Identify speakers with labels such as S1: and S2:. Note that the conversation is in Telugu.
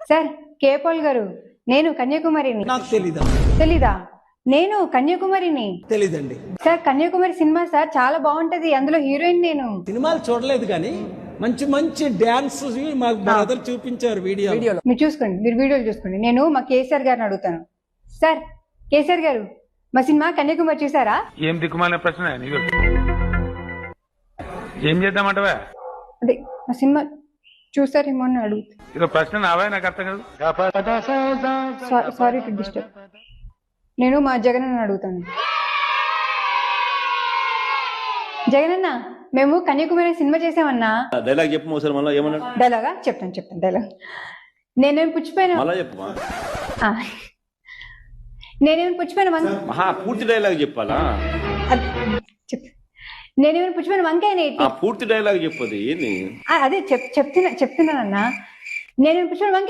S1: సార్ కేపాల్ గారు, నేను కన్యాకుమారిని.
S2: నాకు తెలీదా?
S1: తెలీదా? నేను కన్యాకుమారిని.
S2: తెలీదండి.
S1: సార్ కన్యాకుమారి సినిమా సార్ చాలా బాగుంటది, అందులో హీరోయిన్ నేను.
S2: సినిమాలు చూడలేదు కానీ మంచి మంచి డ్యాన్స్ మాకు బ్రదర్ చూపించారు వీడియో.
S1: మీరు చూసుకోండి, మీరు వీడియోలు చూసుకోండి. నేను మా కేసీఆర్ గారిని అడుగుతాను. సార్ కేసీఆర్ గారు, మా సినిమా కన్యాకుమారి చూసారా?
S3: ఏం దిక్కుమాలిన ప్రశ్న నీకు? ఏం చేద్దామంటవా?
S1: అదే మా సినిమా చూసారేమో అని అడుగుతా.
S3: ఇదో ప్రశ్న నావా? నాకు అర్థం కాదు.
S1: Sorry to disturb. నేను మా జగన్ అన్న అడుగుతాను. జగనన్న, మేము కన్యాకుమారి సినిమా చేసామన్నా.
S4: డైలాగ్ చెప్పు ఒకసారి మళ్ళీ. ఏమన్నాడు?
S1: డైలాగా చెప్తాను డైలాగ్. నేనేమి పుచ్చిపోయినా
S4: మళ్ళా చెప్పు.
S1: నేనేమైనా పుచ్చిపోయిన
S4: మహా పూర్తి డైలాగ్ చెప్పాలా?
S1: నేనేమైనా పుచ్చిపోయిన వంకాయ
S4: పూర్తి డైలాగ్ చెప్పదు ఏంది?
S1: అదే చెప్తున్నానన్నా. నేనేమైనా పుచ్చిపోయిన వంకాయ